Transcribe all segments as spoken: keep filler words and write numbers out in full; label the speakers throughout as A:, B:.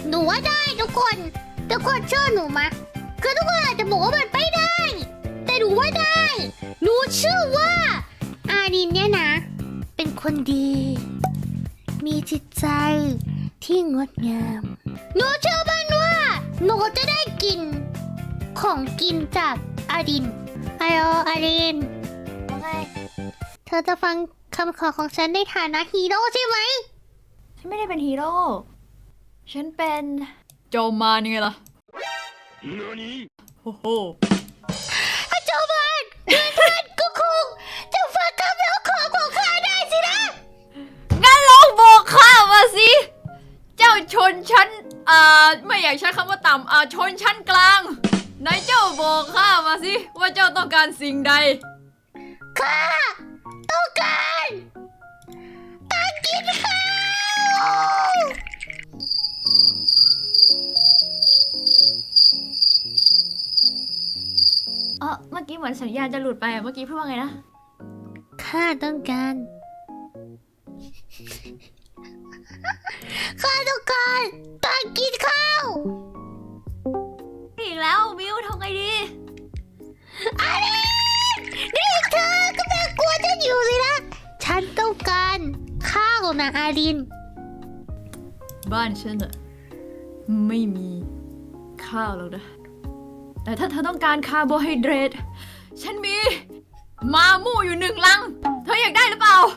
A: หนูว่าได้ทุกคนทุกคนเชื่อหนูมะคือทุกคนอาจจะบอกว่ามันไม่ได้ แต่หนูว่าได้หนูเชื่อว่าอารินเนี่ยนะ เป็นคนดี มีจิตใจที่งดงามหนูเชื่อมั่นว่าหนูจะได้กินของกินจากอารินไอโออารินว่าไงเธอจะฟังคำขอของฉันในฐานะฮีโร่ใช่ไหม
B: ฉันไม่ได้เป็นฮีโร่ฉันเป็นโจมานยังไงล่ะโอ้โห
A: โจมานเพื่อนท่านก็คงจะฟังคำร้องขอของข้าได้สินะ
B: งั้นลองบอกข้ามาสิเจ้าชนชั้นอ่าไม่อยากใช้คำว่าต่ำอ่าชนชั้นกลางไหนเจ้าบอกข้ามาสิว่าเจ้าต้องการสิ่งใด
A: ข้าต้องการตังกินข้าว
B: เออเมื่อกี้เหมือนสัญญาณจะหลุดไปอ่ะเมื่อกี้พูดว่าไงนะ
A: ข้าต้องการข้าต้องการตังกินข้าว
B: อีกแล้วมิวทำไงดี
A: อะไรนี่เธอกำลังกลัวฉันอยู่สินะฉันต้องการข้าวนะอาริน
B: บ้านฉันอะไม่มีข้าวหรอกนะแต่ถ้าเธอต้องการคาร์โบไฮเดรตฉันมีมามู่อยู่หนึ่งลังเธออยากได้หรือเปล่า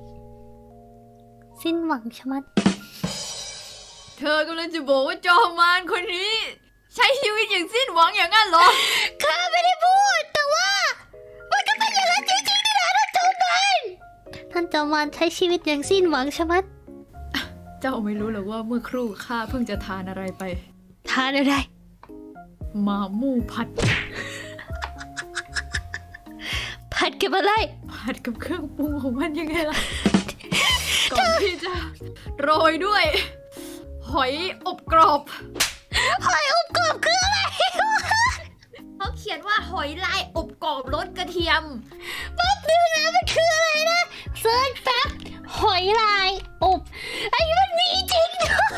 A: สิ้นหวังชะมัด
B: เธอกำลังจะบอกว่าจอมมารคนนี้ใช้ชีวิตอย่างสิ้นหวังอย่างนั้นเหรอ
A: ข้าไม่ได้พูดแต่ว่ามันก็เป็นอย่างนั้นจริงๆนี่นะท่านจอมมารท่านจอมมารใช้ชีวิตอย่างสิ้นหวังชะมัด
B: เจ้าไม่รู้หรอกว่าเมื่อครู่ข้าเพิ่งจะทานอะไรไป
A: ทานอะไร
B: มามู่ผัด
A: ผัดกับอะไร
B: ผัดกับเครื่องปรุงของมันยังไงล่ะก่อนที่จะโรยด้วยหอยอบกรอบ
A: หอยอบกรอบคืออะไร
B: เขาเขียนว่าหอยลายอบกรอบรสกระเทียม
A: แป๊บนึงนะมันคืออะไรนะเซิร์ชแป๊บหอยลายอบไอ้มันมีจริง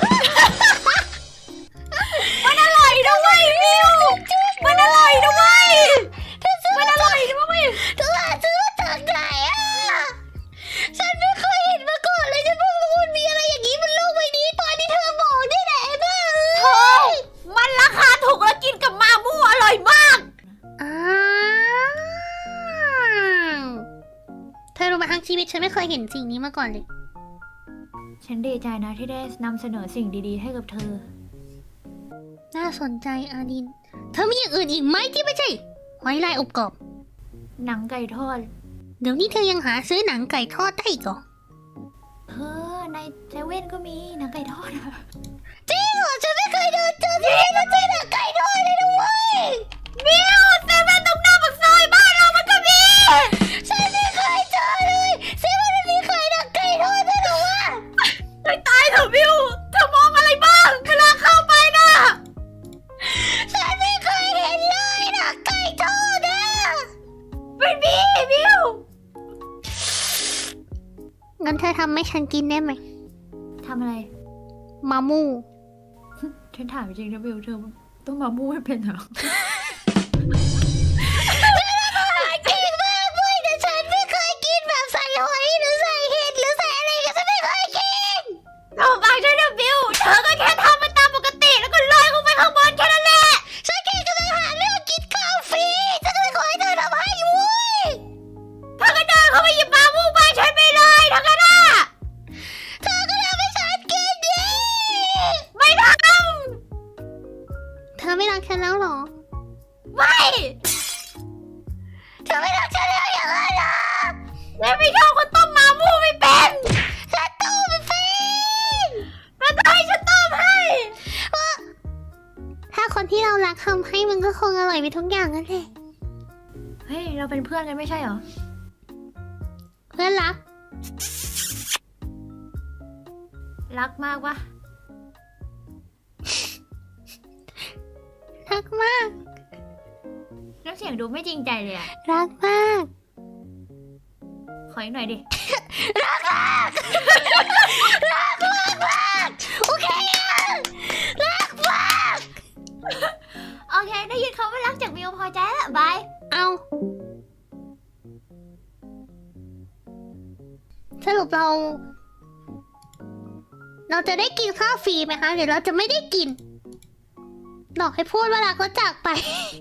B: มันอร่อยนะเว้ยมิวมันอร่อยนะเว้ยมันอร่อยนะเว้ย
A: เธอหาซื้อมาจากไหนอ่ะฉันไม่เคยเห็นมาก่อนเลยฉันเพิ่งรู้มันมีอะไรอย่างนี้บนโลกใบนี้ตอนที่เธอบอกนี่แหละบ้า
B: เฮ้ยมันราคาถูกแล้วกินกับมามู่อร่อยมาก
A: อ้าวเธอรู้ไหมทั้งชีวิตฉันไม่เคยเห็นสิ่งนี้มาก่อนเลย
B: ฉันดีใจนะที่ได้นำเสนอสิ่งดีๆให้กับเธอ
A: น่าสนใจอารินเธอมีอย่างอื่นอีกไหมที่ไม่ใช่หอยลายอบกรอบ
B: หนังไก่ทอด
A: เดี๋ยวนี้เธอยังหาซื้อหนังไก่ทอดได้อีกเหรอ
B: เออในเซเว่นก็มีหนังไก่ทอดอะ
A: จริงเหรอฉันไม่เคยเดินเจอที่นี่แล้วเจอหนังไก่ทอดเลยนะเว้ย
B: มิวเซเว่นตรงหน้าปากซอยบ้านเรามันก็มี
A: ฉันไม่เคยเจอเลยเซเว่นมันมีขายหนังไก่ทอดด้วยเหรอวะ
B: ไม่ตายเถอะมิวเธอมองอะไรบ้างเวลาเข้าไปนะ
A: ฉันไม่เคยเห็นเลยหนังไก่ทอดอ่ะ
B: ไม่มีมิว
A: งั้นเธอทำให้ฉันกินได้ไหม
B: ทำอะไร
A: มามู่
B: ฉันถามจริงนะมิวเธอต้องมามู่ให้เป็นเหรอ
A: เก่งมากเว้ยแต่ฉันไม่เคยกินแบบใส่หอยหรือใส่เห็ดหรือใส่อะไรก็ฉันไม่เคยกิน
B: เราฟังฉันนะมิวเธอก็แค่ทำมันตามปกติแล้วก็ลอยลงไปข้างบนแค่นั้นแหละ
A: ฉันแค่กำลังหาเรื่องกินข้าวฟรีฉันก็เลยขอให้เธอทำให้เว้ย
B: เธอก็เดินเข้าไปหยิบมามู่ไปฉันไม่เลยทั้งนั้นอ่ะ
A: เธอก็ทำให้ฉันกินดิ
B: ไม่ทำ
A: เธอไม่รักฉันแล้วหรอ
B: ไม่
A: เธอไม่รักฉันแล้วอย่างนั้นหรอ
B: ฉันไม่ชอบคนต้มมามู่ไม่เป็น
A: ฉันต้มไม่เป็น
B: แล้วจะให้ฉันต้มให้
A: ถ้าคนที่เรารักทำให้มันก็คงอร่อยไปทุกอย่างนั่นแหละ
B: เฮ้ยเราเป็นเพื่อนกันไม่ใช่เหรอ
A: เพื่อนรัก
B: รักมากปะ
A: รักมาก
B: น้ำเสียงดูไม่จริงใจเลยอะ
A: รักมาก
B: ขออีกหน่อยดิ
A: รักมากรักมากมากโอเครัเรา เราจะได้กินข้าวฟรีไหมคะหรือเราจะไม่ได้กินหลอกให้พูดว่ารักแล้วจากไป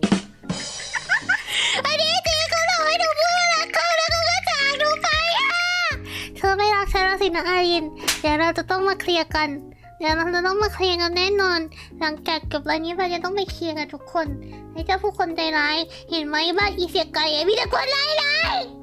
A: อันนี้จริงเขาหลอกให้หนูพูดว่ารักเขาแล้วเขาก็จากหนูไปอ่ะเธอไม่รักฉันแล้วสินะอารินเดี๋ยวเราจะต้องมาเคลียร์กันเดี๋ยวเราจะต้องมาเคลียร์กันแน่นอน หลังจากจบรายนี้เราจะต้องไปเคลียร์กันทุกคนให้เจ้าผู้คนใจร้ายเห็นไหมบ้านอีเสียไก่มีแต่คนร้ายร้าย